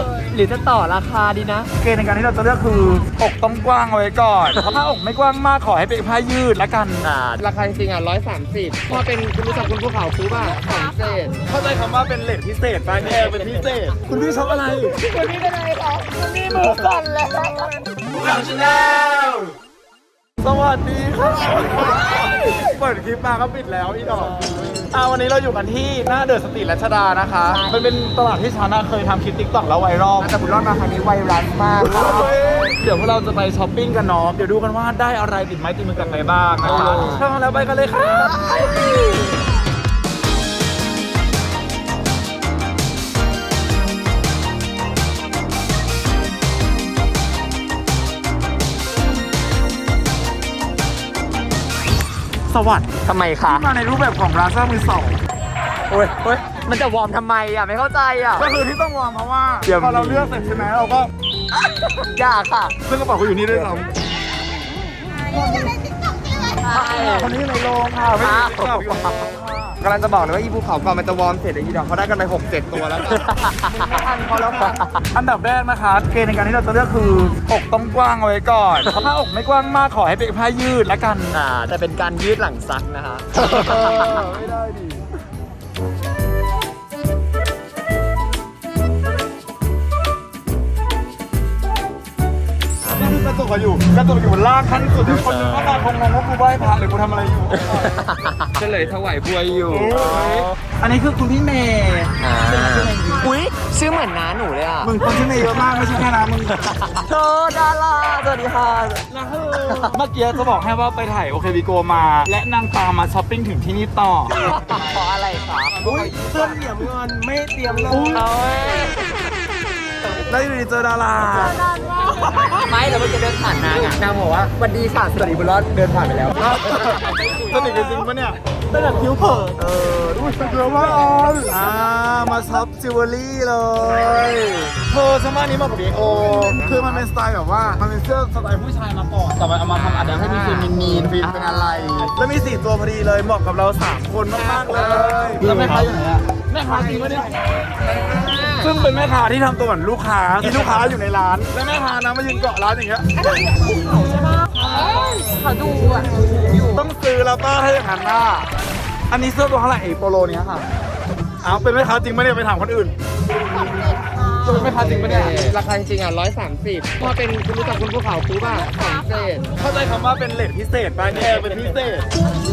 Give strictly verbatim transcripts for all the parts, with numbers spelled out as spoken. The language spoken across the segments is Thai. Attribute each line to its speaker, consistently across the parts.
Speaker 1: หรือจะต่อราคาดีนะเกณฑ์ในการที่เราจะเลือกคืออกต้องกว้างเอาไว้ก่อนเพราะถ้าอกไม่กว้างมากขอให้เป็นผ้ายืดละกันอ่าราคาจริงๆอ่ะร้อยสามสิบพอเป็นคุณรู้จักคุณภูเขาซื้อป่ะของพิเศษเข้าใจคำว่าเป็นเลทพิเศษป่ะเนี่ยเป็นพิเศษคุณพี่ชอบอะไรคุณพี่เป็นอะไรครับคุณพี่มือสั่นเลยข่าวชาแนลสวัสดีครับเปิดคลิปมาก็ปิดแล้วอีดอกอ่าวันนี้เราอยู่กันที่หน้าเดอะสตรีทรัชดานะคะมันเป็นตลาดที่ชาน่าเคยทำคลิปติ๊กต็อกแล้วไวรัลแต่บุญรอดมาครั้งนี้ไวรัลมากเดี๋ยวพวกเราจะไปช้อปปิ้งกันเนาะเดี๋ยวดูกันว่าได้อะไรติดไม้ติดมือกลับไปบ้างนะคะถ้าพร้อมแล้วไปกันเลยครับสวัสดีทำไมคะมาในรูปแบบของร้านเสื้อมือสองโอ้ยโอ้ยมันจะวอร์มทำไมอ่ะไม่เข้าใจอ่ะก็คือที่ต้องวอร์มเพราะว่าพอเราเลือกเสร็จใช่ไหมเราก็ยากค่ะซึ่งกระเป๋าเขาอยู่นี่ด้วยซ้ำคนนี้ในโรงค่ะไม่ได้กำลังจะบอกเลยว่าอีภูเขาก่อนมันจะวอร์มเสร็จไอ้ยีดอกเขาได้กันไปหกเจ็ดตัวแล้วอันเขาแล้วค่ะอันดับแรกนะคะเกณฑ์ในการที่เราจะเลือกคืออกต้องกว้างเอาไว้ก่อนถ้าอกไม่กว้างมากขอให้เป็นผ้ายืดละกันอ่าแต่เป็นการยืดหลังซักนะคะไม่ได้ดิกระตุกอยู่กระตุกอยู่ล่างขั้นสุดที่คนนึงก็มาคงงงว่ากูไหว้พระหรือกูทำอะไรอยู่ก็เลยถวายบัวอยู่อันนี้คือคุณพี่เมย์อุ้ยชื่อเหมือนน้าหนูเลยอ่ะมึงคนที่เมย์เยอะมากไม่ใช่แค่น้ามึงเธอดาราสวัสดีค่ะนะเฮ้เมื่อกี้จะบอกให้ว่าไปถ่ายโอเควิโกมาและนางตามมาช้อปปิ้งถึงที่นี่ต่อเพราะอะไรคะอุ้ยเสื้อเหนียวเงินไม่เตรียมเลยแล้วอยู่ดีเจอดาราไม่แล้วเมื่อกี้เดินผ่านนางอ่ะนางบอกว่าวันดีค่ะสวัสดีบุญรอดเดินผ่านไปแล้วสนิทกันจริงปะเนี่ยได้แบบคิ้วเผินเออดูสเกลว่าออนอ่ามาช็อปจิวเวลรี่เลยเธอสมัยนี้มากับบีโอคือมันเป็นสไตล์แบบว่ามันเป็นเสื้อสไตล์ผู้ชายมาก่อนแต่มันเอามาทำอัดให้มีฟิลมีนฟิลเป็นอะไรแล้วมีสี่ตัวพอดีเลยเหมาะกับเราสามคนมากๆเลยแล้วแม่ค้าอยู่ไหนอะแม่ค้าจริงปะเนี่ยซึ่งเป็นแม่ค้าที่ทำตัวเหมือนลูกค้าที่ลูกค้าอยู่ในร้านและแม่ค้านะมายืนเกาะร้านอย่างเงี้ยใช่ปะเขาดูอ่ะต้องซื้อแล้วป้าให้หันหน้าอันนี้เสื้อตัวเท่าไหร่เอโปโลเนี้ยค่ะอ้าวเป็นแม่ค้าจริงไหมเนี่ยไปถามคนอื่นจะเป็นแม่ค้าจริงไหมเนี่ยราคาจริงอ่ะร้อยสามสิบพอเป็นคุณรู้จักคุณภูเขาซื้อป่ะของพิเศษเข้าใจคำว่าเป็นเลทพิเศษป่ะเนี่ยเป็นพิเศษ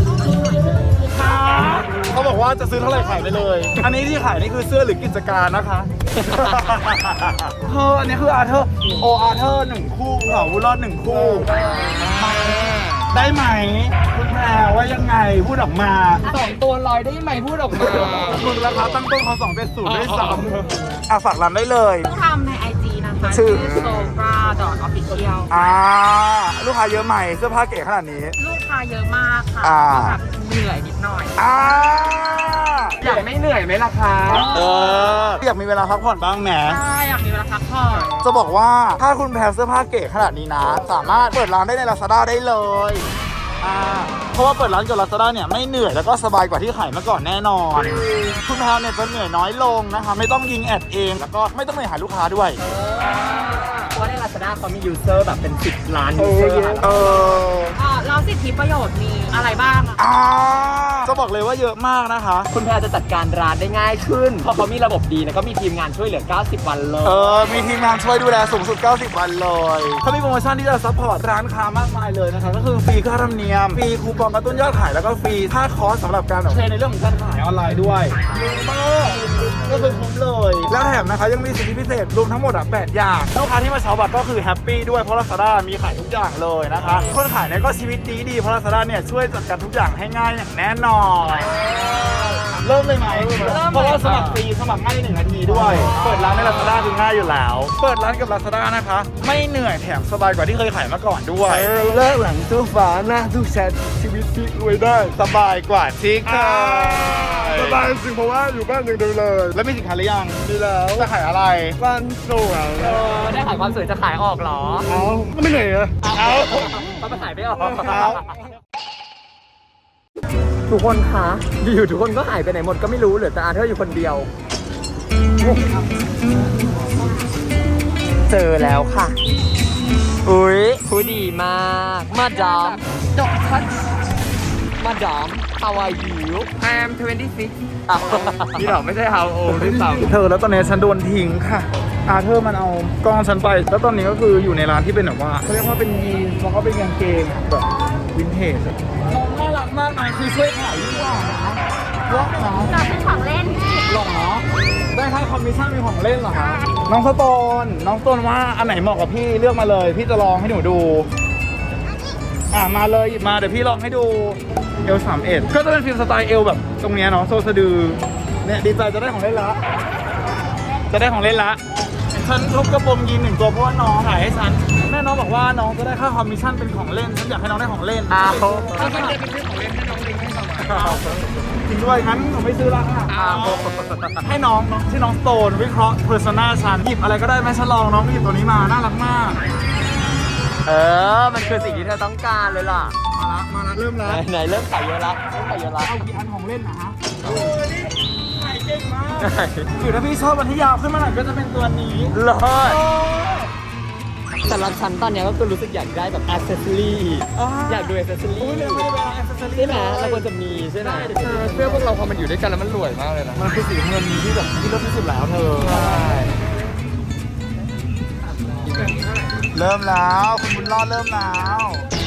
Speaker 1: เขาบอกว่าจะซื้อเท่าไหร่ขายได้เลยอันนี้ที่ขายนี่คือเสื้อหรือกิจการนะคะเธออันนี้คืออาร์เธอร์โออาร์เธอร์หนึ่งคู่เขาบุญรอดหนึ่งคู่ได้ไหมคุณแพรว่ายังไงพูดออกมาสองตัวลอยได้ไหมพูดออกมาคุณราคาตั้งต้นเขาสองเป็นศูนย์ได้สามอ่ะฝากร้านได้เลย
Speaker 2: ทำในไอจีนะคะชื่อโซฟราดอทออฟฟิเชียล
Speaker 1: อ่าลูกค้าเยอะใหม่เสื้อผ้าเก๋ขนาดนี้
Speaker 2: ลูกค้าเยอะมากค่ะแบบเหนื่อยนิดหน่อย
Speaker 1: อ่าอยากไม่เหนื่อยไหมล่ะคะเอออยากมีเวลาพักผ่อนบ้างแหม
Speaker 2: ใช่อยากมีเวลาพักผ่อน
Speaker 1: จะบอกว่าถ้าคุณแพรเสื้อผ้าเก๋ขนาดนี้นะสามารถเปิดร้านได้ใน Lazada ได้เลยอ่าเพราะว่าเปิดร้านกับ Lazada เนี่ยไม่เหนื่อยแล้วก็สบายกว่าที่ขายเมื่อก่อนแน่นอนคุณแพรเนี่ยจะเหนื่อยน้อยลงนะคะไม่ต้องยิงแอดเองแล้วก็ไม่ต้องเหนื่อยหาลูกค้าด้วย
Speaker 2: เพราะใน Lazada เขามียูเซอร์แบบเป็นสิบล้านยูเซอร์เออแล้วสิทธิประโยชน์มีอะไรบ้างอ่ะ
Speaker 1: จะบอกเลยว่าเยอะมากนะคะ
Speaker 2: คุณแพรจะจัดการร้านได้ง่ายขึ้นเพราะเขามีระบบดีแล้วก็มีทีมงานช่วยเหลือเก้าสิบวันเลย
Speaker 1: เออมีทีมงานช่วยดูแลสูงสุดเก้าสิบวันเลยเขามีโปรโมชั่นที่จะซัพพอร์ตร้านค้ามากมายเลยนะคะก็คือฟรีค่าธรรมเนียมฟรีคูปองกระตุ้นยอดขายแล้วก็ฟรีค่าคอร์สสำหรับการเทรนในเรื่องของการขายออนไลน์ด้วยเยอะมากก็คือคุ้มเลยแล้วแถมนะคะยังมีสิทธิพิเศษรวมทั้งหมดอ่ะแปดอย่างลูกค้าที่มาช็อปก็คือแฮปปี้ด้วยเพราะ Lazada มีขายทุกอย่างเลยนะคะคนขายเนี่ยก็ชีวิตดีดีเพราะ Lazada เนี่ยช่วยจัดการทุกอย่างให้ง่ายอย่างแน่นอนเริ่มเลยไหมเพราะว่าสมัครฟรีสมัครง่ายในหนึ่งนาทีด้วยเปิดร้านใน Lazada คือง่ายอยู่แล้วเปิดร้านกับ Lazada นะคะไม่เหนื่อยแถมสบายกว่าที่เคยขายมาก่อนด้วยเลิกหลังตู้ฝาหน้าตู้แชทชีวิตพลิกรวยได้สบายกว่าที่เคยสบายจริงเพราะว่าอยู่บ้านอย่างเดียวเลยแล้วมีสินค้าหรือยังมีแล้วจะขายอะไรบ้านสวย
Speaker 2: เออได้ขายความสวยจะขายออกเหรอ
Speaker 1: เอาไม่เหนื่อยเหรอเอา
Speaker 2: มันมาขายไม่ออกทุกคนคะอยู่ทุกคนก็หายไปไหนหมดก็ไม่รู้เหลือแต่อาร์เธอร์อยู่คนเดียวเจอแล้วค่ะ อุ้ยผู้ดีมากมาดาม
Speaker 1: Don't touch
Speaker 2: มาดาม how are you
Speaker 1: I am twenty-six
Speaker 2: อ้าว
Speaker 1: นี่หรอไม่ใช่ how old ด้วยซ้ำ
Speaker 3: เธอแล้วตอนนี้ฉันโดนทิ้งค่ะ อาเธอร์มันเอากล้องฉันไป แล้วตอนนี้ก็คืออยู่ในร้านที่เป็นแบบว่าเขาเรียกว่าเป็นยีนส์แล้วก็เป็นกางเกงแบบวินเทจอะน้องน่ารักมากนะคือช่วยขายดีกว่านะล็อกเนาะ
Speaker 4: เราเป็นของเล่น
Speaker 3: หรอได้ค่าคอมมิชชั่นมีของเล่นเหรอคะน้องสโตนน้องสโตนว่าอันไหนเหมาะกับพี่เลือกมาเลย พี่จะลองให้หนูดู อ่ะมาเลยหยิบมาเดี๋ยวพี่ลองให้ดูเอลสามเอ็ดก็จะเป็นฟิล์มสไตล์เอลแบบตรงเนี้ยเนาะโซสะดือเนี่ยดีใจจะได้ของเล่นละ จะได้ของเล่นละฉันทุบกระโปรงยีนหนึ่งตัวเพราะว่าน้องขายให้ฉันแม่น้องบอกว่าน้องจะได้ค่าคอมมิชชั่นเป็นของเล่นฉันอยากให้น้องได้ของเล่น
Speaker 2: อ้าว
Speaker 1: ถ้าฉันจะเป็นซื้อของเล่นให้น้องลิงให้สมัย
Speaker 3: จริงด้วยงั้นหนูไม่ซื้อละค่ะ
Speaker 2: อ้าว
Speaker 3: ให้น้องน้องชื่อน้องสโตนวิเคราะห์เพอร์ซนาฉันหยิบอะไรก็ได้ไหมฉันลองน้องหยิบตัวนี้มาน่ารักมาก
Speaker 2: เออ มันคือสิ่งที่เธอต้องการเลยล่ะ
Speaker 3: มาละมาละเริ่ม
Speaker 2: ไหน
Speaker 3: แล้ว
Speaker 2: ไหนเริ่มขายเยอะละเริ่มขายเยอะละ
Speaker 3: เอากี่อันของเล่นนะฮะโอ้ยนี่ขายเก่งมากคือถ้าพี่ชอบวันที่ยาวขึ้นมาหน่อยก็จะเป็นตัวนี้
Speaker 2: เลิศ
Speaker 3: โอ้
Speaker 2: สำหรับฉันตอนเนี้ยก็คือรู้สึกอยากได้แบบอ c เซสซอรี่ อยากดูอ c เซสซอ
Speaker 3: อุ้ย
Speaker 2: รี่
Speaker 3: เนี่ยไม่ได้เป็นแอคเซสซอรี่
Speaker 2: ใช่ไหมเราควรจะมีใช่ไหม
Speaker 1: เสื้อพวกเราพอมันอยู่ด้วยกันแล้วมันรวยมากเลยนะ
Speaker 3: มันคือสีเงินที่แบบที่เลิศที่สุดแล้วเธอ
Speaker 1: ใช่
Speaker 3: เริ่มแล้วคุณบุญรอดเริ่มแล้ว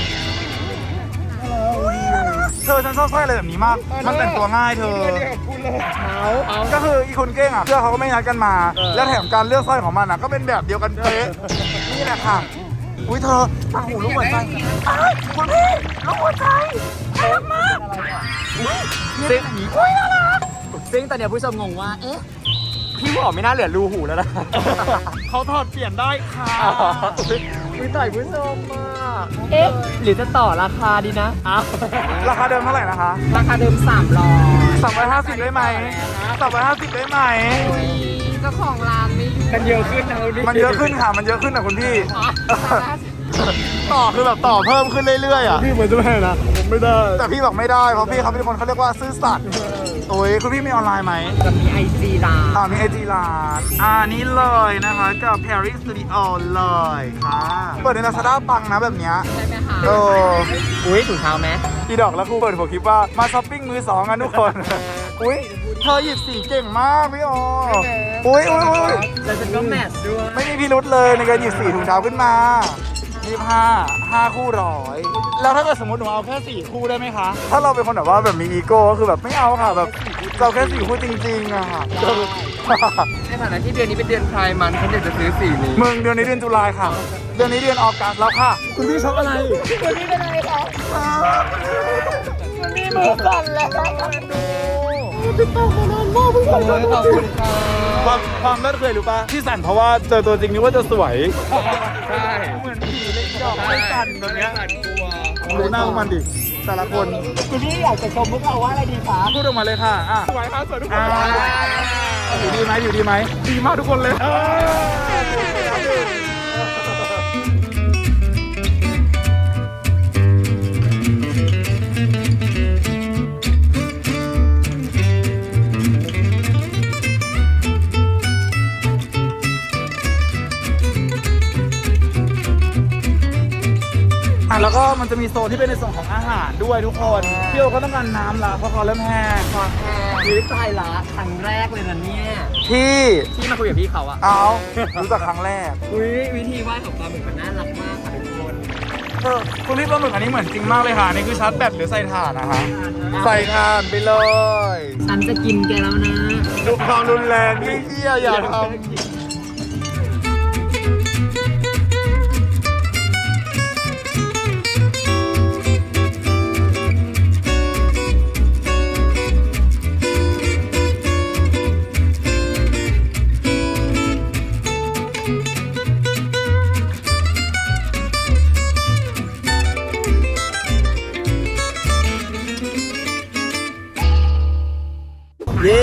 Speaker 3: เธอฉันชอบสร้อยอะไรแบบนี้มาก มันแต่งตัวง่ายเธอ
Speaker 2: เอาเอา
Speaker 3: ก็คืออีคนเก้งอ่ะเสื้อเขาก็ไม่นัดกันมา แล้วแถมการเลือกสร้อยของมันอ่ะก็เป็นแบบเดียวกันเป๊ะนี่แหละค่ะ อุ้ยเธอต่างหูลูกหัวใจอ้าวคุณพี่ลูกหัวใจน่ารักมากอุ้ยนี่เป็นอย่างนี้อุ้ยน่ารัก
Speaker 2: ซึ่งตอนเนี้ยผู้ชมงงว่า เอ๊ะ พี่บอกไม่น่าเหลือรูหูแล้วนะ
Speaker 3: เขาถอดเปลี่ยนได้ค่ะ
Speaker 2: อ๋ออุ้ยต่อยผู้ชมมาก เอ๊ะ หรือจะต่อราคาดีนะอ้าว
Speaker 3: ราคาเดิมเท่าไหร่นะคะ
Speaker 2: ราคาเดิมสามร้อย
Speaker 3: สามร้อยห้าสิบได้ไหมสามร้อยห้าสิบได้ไหม
Speaker 2: เจ้าของร้านไม่อยู่
Speaker 1: มันเยอะขึ้นนะดิ
Speaker 3: มันเยอะขึ้นค่ะ มันเยอะขึ้นนะคุณพี่ ต่อคือแบบต่อเพิ่มขึ้นเรื่อยๆอ่ะ
Speaker 1: พี่เหมือนจะไม่นะผมไม่ได้
Speaker 3: แต่พี่บอกไม่ได้ เพราะพี่เขาเป็นคนเขาเรียกว่าซื่อสัตย์โอ้ยคุณพี่มีออนไลน์ไหม
Speaker 2: จะมีไอจีร้าน
Speaker 3: อ่ามีไอจีร้านอ่านี้เลยนะคะกับ Paris Studio เลยค่ะ เปิดใน Lazada ปังนะแบบเนี้ย
Speaker 2: ใช่ไหมคะ
Speaker 3: เออ
Speaker 2: อุ้ยถุงเท้าไหม
Speaker 3: พี่ดอกแล้วครูเปิดหัวคลิปว่ามาช้อปปิ้งมือสองกันทุกคน อุ้ยเธอหยิบสีเก่งมากพี่โออุ้ยอุ้ยอุ้ย
Speaker 2: แล้วฉันก็แมทช์ด้วย
Speaker 3: ไม่มีพิรุธเลยในการหยิบสีถุงเท้าขึ้นมายี่สิบห้า ห้าคู่ร้อย แล้วถ้าเกิดสมมติหนูเอาแค่สี่คู่ได้ไหมคะ ถ้าเราเป็นคนแบบว่าแบบมีอีโก้ก็คือแบบไม่เอาค่ะแบบเราแค่สี่คู่จริงๆอะค่ะ
Speaker 1: ในฐานะที่เดือนนี้เป็นเดือนพายมันฉันอยากจะซื้อสีนี้
Speaker 3: มึงเดือนนี้เดือนตุลาค่ะ เดือนนี้เดือนออกัสแล้วค่ะ คุณพี่ชอบอะไรคุณพี่เป็นอะไรคะคุณพี่มือสั่นแล้วติดต่อมานานมากเพิ่ง
Speaker 1: ขอบคุณขอบคุณค่ะ
Speaker 3: ความความเลิศเคยรู้ปะที่สั่นเพราะว่าเจอตัวจริงนึกว่าจะสวย
Speaker 1: ใช่
Speaker 3: เหมือนผีเล็กดอกไม่สั่นแบบเนี้ย
Speaker 1: สั่นกลัว
Speaker 3: ดูหน้าพวกมันดิแต่ละคน
Speaker 2: คุณพี่อยากจะชมพวกเราว่าอะไรดีคะ
Speaker 3: พูดออกมาเลยค่ะอ่ะ
Speaker 1: สวยครับสวยทุกค
Speaker 3: อ่าน อยู่ดีไหมอยู่ดีไหมดีมากทุกคนเลยเออ อ่ะแล้วก็มันจะมีโซนที่เป็นในส่วนของอาหารด้วยทุกคนพี่โอก็ต้องการน้ำละเพราะเขาเริ่มแห้ง
Speaker 2: คอแห้งวิตายละครั้งแรกเลยนะเนี่ย
Speaker 3: ที่
Speaker 2: ที่มาคุยกับพี่เขาอะ
Speaker 3: เอารู้จักครั้งแรก
Speaker 2: อุ้ยวิธีไหว้ของปลาหมึกมันน่ารักมากค่ะทุกคน
Speaker 3: เออคุณพี่ปลาหมึกอันนี้เหมือนจริงมากเลยค่ะอันนี่คือชาร์จแบตหรือใส่ถ่านนะคะใส่ถ่านไปเลย
Speaker 2: ฉันจะกินแกแล้วนะ
Speaker 3: ดูความรุนแรงนี่เหี้ยอย่าทำเย้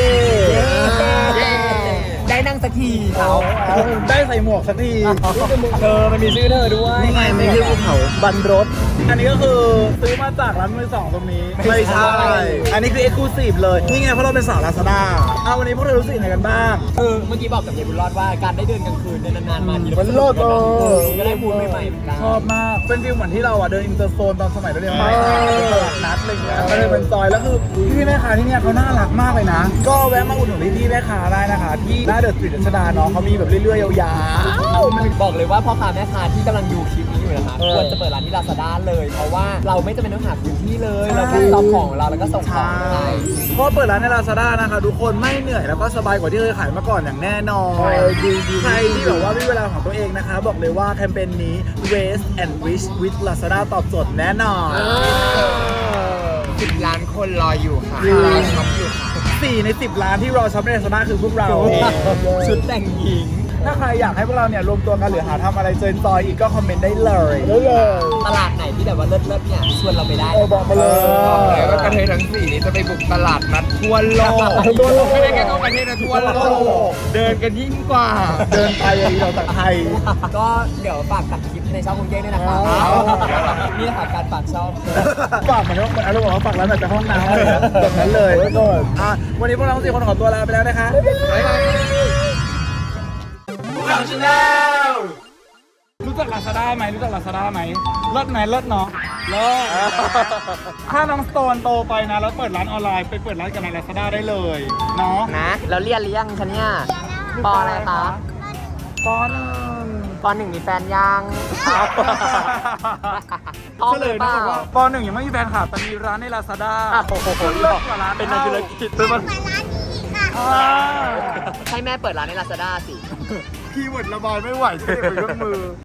Speaker 2: ได้นั่งสักทีเขา
Speaker 3: ได้ใส่หมวกสักที
Speaker 2: เธอมันมีชื่อเธอด้วย
Speaker 3: นี่ไงไม่ใช่ภูเขาบันรถอันนี้ก็คือซื้อมาจากร้านมือสองตรงนี้
Speaker 2: ไม่ใช่
Speaker 3: อันนี้คือ Exclusive เลย นี่ไงเพราะเราเป็นสาว Lazada เอาวันนี้พวกเธอรู้สึกยังไงกันบ้าง
Speaker 2: คือเมื่อกี้บอกกับเยายบุญรอดว่าการได้เดินกลางคืนเนี่ยนานๆมาที
Speaker 3: มันโลดเออ
Speaker 2: ก็ได้มูลใหม่ๆเหมือนกัน
Speaker 3: ชอบมาก เป็นฟิลเหมือนที่เราอ่ะเดินอินเตอร์โซนตอนสมัยเราเรียนมัธยมเป็นตลาดนัดอะไรเงี้ยก็เลยเป็นซอยแล้วคือพี่แม่ค้าที่เนี่ยเขาน่ารักมากเลยนะ ก็แวะมาอุดหนุนพี่ๆแม่ค้าได้นะคะ ที่หน้าเดอะสตรีทรัชดาเนาะเขามีแบบเรื่อยๆยาวๆมัน
Speaker 2: บอกเลยว่าพ่อค้าแม่ค้าที่กำลังดูคลิปนี้อยู่นะคะ
Speaker 3: เออ
Speaker 2: ควรจะเปิดร้านที่ Lazada เลย เพราะว่าเราไม่จำเป็นต้องหาพื้นที่เลย เราแค่เอาของเราแล้วก็ส่งของให้
Speaker 3: เพราะเปิดร้านใน Lazada นะคะทุกคนไม่เหนื่อยแล้วก็สบายกว่าที่เคยขายมาก่อนอย่างแน่นอนใครที่แบบว่ามีเวลาของตัวเองนะคะ บอกเลยว่าแคมเปญนี้ Waste and Rich with Lazada ตอบโจทย์แน่นอน
Speaker 1: สิบล้านคนรออยู่ค่ะรอช็อปอยู่ค่ะ
Speaker 3: สี่ในสิบล้านที่รอช็อปใน Lazada คือพวกเรา
Speaker 2: ชุดแต่งหญิง
Speaker 3: ถ้าใครอยากให้พวกเราเนี่ยรวมตัวกันหรือหาทำอะไรเจนจอยอีกก็คอมเมนต์ได้เลยได้เลย
Speaker 2: ตลาดไหนที่แบบว่าเลิศๆเนี่ยชวนเราไปได้
Speaker 3: เออบอกมาเลย
Speaker 1: บอกเลยว่ากระเทยทั้งสี่นี้จะไปบุกตลาดนัดทั่วโลก
Speaker 3: ทั่วโลก
Speaker 1: ไม่ได้แค่เข้าประเทศนะทั่วโลกเดินกันยิ่งกว่า
Speaker 3: เดินไปอย่างเราจากไทย
Speaker 2: ก็เดี๋ยวฝากตัดคลิปในช่องคุณเก้ด้วยนะครับ
Speaker 3: เอา
Speaker 2: นี่แหละค่ะการฝากช่อง
Speaker 3: ฝากเหมือนว่าอารมณ์บอกว่าฝากร้านแบบจากห้องน้ำอะไรนะแบบนั้นเลยอ่ะวันนี้พวกเราทั้งสี่คนขอตัวลาไปแล้วนะคะ รู้จัก Lazada ไหมรู้จัก Lazada ไหมเลิศไหมเลิศเนาะเลิศถ้าน้องสโตนโตไปนะ แล้วเปิดร้านออนไลน์ไปเปิดร้านกับใน Lazada ได้เลยเนาะ
Speaker 2: นะแล้วเรียนหรือยังคะเนี่ยปออะไรคะ
Speaker 3: ปอหนึ่ง
Speaker 2: ปอหนึ่งมีแฟนยังท้อง
Speaker 3: เฉ
Speaker 2: ห
Speaker 3: ล
Speaker 2: รื
Speaker 3: ย
Speaker 2: อเป
Speaker 3: นะ
Speaker 2: ล่า
Speaker 3: บอกว่าปอหนึ่งยังไม่มีแฟนคลับแต่มีร้านใน Lazada
Speaker 2: อ่ะโอ้โห
Speaker 3: เลิศกว่าร้าน
Speaker 2: เป็นนักธุรกิจ
Speaker 3: เป็นมัน
Speaker 4: เปิดร้านนี้อีกค่ะ
Speaker 3: อ่า
Speaker 2: ให้แม่เปิดร้านใน Lazada สิ
Speaker 3: คีย์เวิร์ดระบายไม่ไหวใช่ไหมเป็นเครื่องมือ